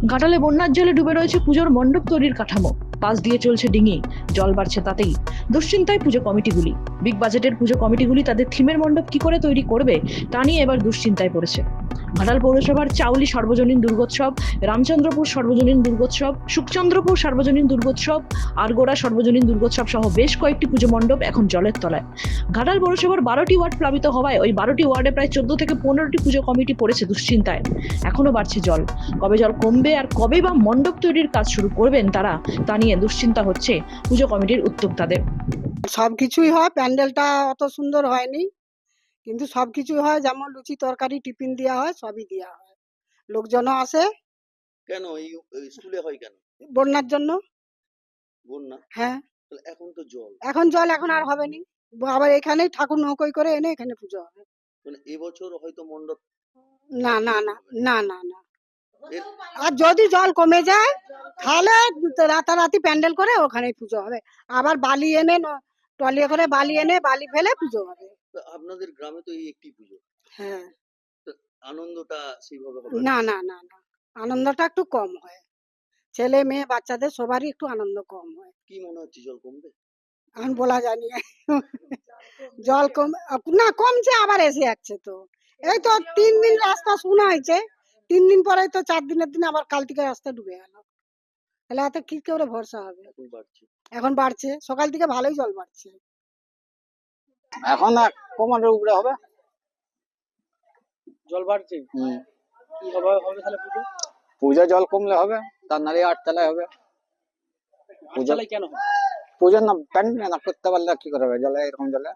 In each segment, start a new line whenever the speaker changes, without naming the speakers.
ঘাটালে বন্যার জলে ডুবে রয়েছে পুজোর মণ্ডপ তৈরির কাঠামো। পাশ দিয়ে চলছে ডিঙি, জল বাড়ছে তাতেই। দুশ্চিন্তায় পুজো কমিটিগুলি। বিগ বাজেটের পুজো কমিটিগুলি তাদের থিমের মণ্ডপ কি করে তৈরি করবে তা নিয়ে এবার দুশ্চিন্তায় পড়েছে। ঘাটাল পৌরসভার চাউলি সর্বজনীন দুর্গোৎসব, রামচন্দ্রপুর সর্বজনীন দুর্গোৎসব, সুখচন্দ্রপুর সর্বজনীন দুর্গোৎসব, আরগোড়া সর্বজনীন দুর্গোৎসব সহ বেশ কয়েকটি পুজো মণ্ডপ এখন জলের তলায়। ঘাটাল পৌরসভার 12টি ওয়ার্ড প্লাবিত হওয়ায় ওই 12টি ওয়ার্ডে প্রায় 14 থেকে 15টি পুজো কমিটি পড়েছে দুশ্চিন্তায়। এখনো বাড়ছে জল, কবে জল কমবে আর কবে বা মণ্ডপ তৈরির কাজ শুরু করবেন তারা, তা নিয়ে দুশ্চিন্তা হচ্ছে পুজো কমিটির উদ্যোক্তাদের।
সবকিছুই হয়, প্যান্ডেলটা অত সুন্দর হয়নি, কিন্তু সবকিছুই হয়, যেমন লুচি তরকারি টিফিন দেওয়া হয়, সবই দেওয়া হয়, লোকজনও আসে।
কেন এই স্কুলে হয় কেন?
বন্যার জন্য।
বন্যা?
হ্যাঁ,
তাহলে এখন তো জল।
এখন জল এখন আর হবে নি, আবার এখানেই ঠাকুর নৌকোয় করে এনে এখানে পুজো হবে।
মানে এবছর হয়তো মণ্ডপ
না না না না না না,
এর-
আর যদি জল কমে যায় তাহলে রাতারাতি প্যান্ডেল করে ওখানেই পুজো হবে। আবার বালি এনে ট্রলি করে বালি এনে বালি ফেলে পুজো হবে।
তো আপনাদের গ্রামে তো এই একটি পুজো,
হ্যাঁ,
তো আনন্দটা সেইভাবে হবে
না না না না, আনন্দটা একটু কম হয়, ছেলে মেয়ে বাচ্চাদের সবারই একটু আনন্দ কম হয়।
কি মনে হচ্ছে জল কমবে?
এখন বলা জানি জল কম না, কমছে আবার এসে যাচ্ছে। তো এই তো 3 দিন রাস্তা শোনা হয়েছে, 3 দিন পরে তো 4 দিনের দিন আবার কাল থেকে রাস্তা ডুবে গেল। তাহলে এত কি করে ভরসা হবে?
এখন বাড়ছে।
এখন বাড়ছে, সকাল থেকে ভালোই জল বাড়ছে।
এখন কমানোর উপরে হবে,
জল বাড়ছে, কি হবে হবে তাহলে পুজো?
পূজা জল কমলে হবে, তার নালে 8 তলায় হবে পুজো।
তাহলে কেন হবে?
পুজো না প্যান্ডেল না করতে পারলে কি করে হবে জলে, এরকম জলে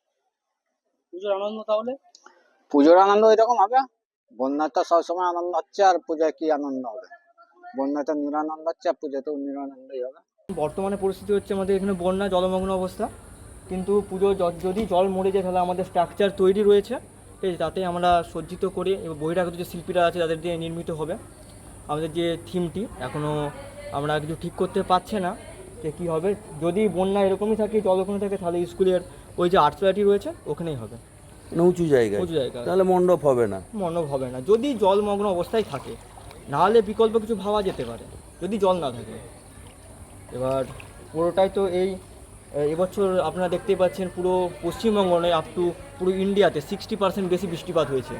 পুজোর আনন্দ তাহলে
পুজোর আনন্দ এরকম হবে। বন্যায় তো সবসময় আনন্দ হচ্ছে, আর পূজায় কি আনন্দ হবে? বন্যায় তো নিরানন্দ হচ্ছে, আর পুজোতেও নিরানন্দই হবে।
বর্তমানে পরিস্থিতি হচ্ছে আমাদের এখানে বন্যা জলমগ্ন অবস্থা, কিন্তু পুজো যদি জল মরে যায় তাহলে আমাদের স্ট্রাকচার তৈরি রয়েছে, ঠিক আছে, তাতে আমরা সজ্জিত করে এবং বহিরাগত যে শিল্পীরা আছে তাদের দিয়ে নির্মিত হবে। আমাদের যে থিমটি এখনও আমরা কিছু ঠিক করতে পারছি না যে কী হবে। যদি বন্যা এরকমই থাকে, জল ওখানে থাকে, তাহলে স্কুলের ওই যে আর্ট ফ্ল্যাটটি রয়েছে ওখানেই হবে,
উঁচু জায়গায়,
উঁচু জায়গা,
তাহলে মণ্ডপ হবে না।
মণ্ডপ হবে না যদি জলমগ্ন অবস্থায় থাকে, নাহলে বিকল্প কিছু ভাবা যেতে পারে যদি জল না থাকে। এবার পুরোটাই তো এবছর আপনারা দেখতেই পাচ্ছেন পুরো পশ্চিমবঙ্গ নয়, আপ টু পুরো ইন্ডিয়াতে 60% বেশি বৃষ্টিপাত হয়েছে,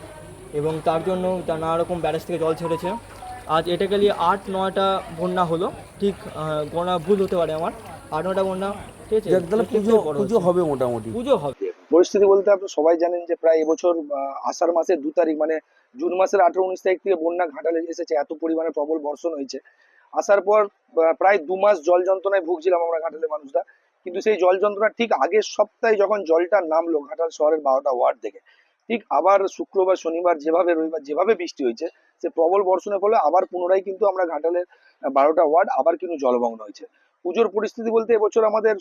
এবং তার জন্য নানা রকম ব্যারেজ থেকে জল ছেড়েছে। আজ এটা গেলে 8-9টা বন্যা হলো, ঠিক গোনা ভুল হতে পারে আমার, 8-9টা বন্যা, ঠিক আছে।
তাহলে পুজো হবে মোটামুটি।
পুজো হবে।
পরিস্থিতি বলতে আপনারা সবাই জানেন যে প্রায় এবছর আষাঢ় মাসের 2 তারিখ মানে জুন মাসের 18-19 তারিখ থেকে বন্যা ঘাটালে এসেছে, এত পরিমাণে প্রবল বর্ষণ হয়েছে। আসার পর প্রায় 2 মাস জল যন্ত্রণায় ভুগছিলাম আমরা ঘাটালের মানুষরা, কিন্তু সেই জল যন্ত্রণা ঠিক আগের সপ্তাহে যখন জলটা নামলো ঘাটাল শহরের 12টা ওয়ার্ড থেকে, ঠিক আবার শুক্রবার শনিবার যেভাবে রবিবার যেভাবে বৃষ্টি হয়েছে, সে প্রবল বর্ষণের ফলে আবার পুনরায় কিন্তু আমরা ঘাটালের 12টা ওয়ার্ড আবার কিন্তু জলমগ্ন হয়েছে। পুজোর পরিস্থিতি বলতে এবছর আমাদের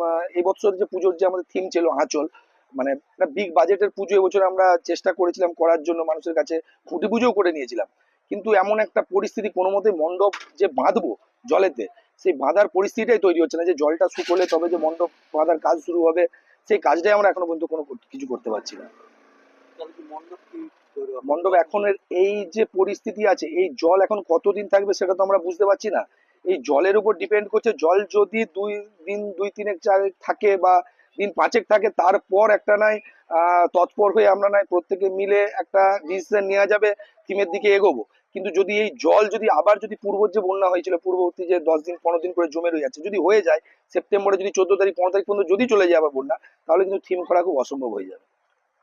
এবছর যে পুজোর যে আমাদের থিম ছিল আঁচল, মানে বিগ বাজেটের পুজো এবছর আমরা চেষ্টা করেছিলাম করার জন্য, মানুষের কাছে খুঁটি পুজোও করে নিয়েছিলাম, কিন্তু এমন একটা পরিস্থিতি কোনো মতে মণ্ডপ যে বাঁধবো জলেতে, সেই বাঁধার পরিস্থিতিটাই তৈরি হচ্ছে না, যে জলটা শুকোলে তবে যে মণ্ডপ বাঁধার কাজ শুরু হবে, সেই কাজটাই আমরা এখনো পর্যন্ত কোনো কিছু করতে পারছি না।
তাহলে কি মণ্ডপ কি তৈরি হবে?
মণ্ডপ এখন এই যে পরিস্থিতি আছে, এই জল এখন কতদিন থাকবে সেটা তো আমরা বুঝতে পারছি না। এই জলের উপর ডিপেন্ড করছে, জল যদি 2 দিন 2-3 থাকে বা দিন 5 থাকে, তারপর একটা নাই তৎপর হয়ে আমরা নাই প্রত্যেকে মিলে একটা ডিসিশন নেওয়া যাবে, থিমের দিকে এগোবো। কিন্তু যদি এই জল যদি আবার যদি পূর্ব যে বন্যা হয়েছিল, পূর্ববর্তী যে 10 দিন 15 দিন করে জমে রয়ে যাচ্ছে, যদি হয়ে যায় সেপ্টেম্বরে, যদি 14 তারিখ 15 তারিখ পর্যন্ত যদি চলে যায় আবার বন্যা, তাহলে কিন্তু থিম করা খুব অসম্ভব হয়ে যাবে।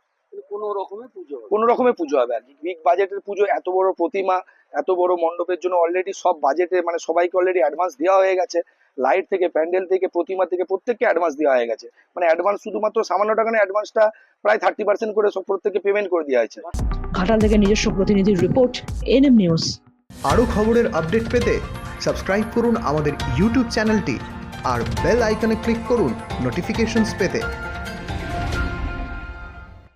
কোনো রকমের পুজো হবে,
কোনো রকমের পুজো হবে আর কি। বিগ বাজেটের পুজো, এত বড় প্রতিমা, এত বড় মণ্ডপের জন্য অলরেডি সব বাজেটে মানে সবাইকে অলরেডি অ্যাডভান্স দেওয়া হয়ে গেছে, লাইট থেকে প্যান্ডেল থেকে প্রতিমা থেকে প্রত্যেককে অ্যাডভান্স দেওয়া হয়ে গেছে। মানে অ্যাডভান্স শুধুমাত্র সামান্য টাকা না, অ্যাডভান্সটা প্রায় 30% করে সব প্রত্যেককে পেমেন্ট করে দেওয়া হয়েছে।
ঘাটাল থেকে নিজস্ব প্রতিনিধির রিপোর্ট, এনএম নিউজ।
আরও খবরের আপডেট পেতে সাবস্ক্রাইব করুন আমাদের ইউটিউব চ্যানেলটি আর বেল আইকনে ক্লিক করুন নোটিফিকেশনস পেতে।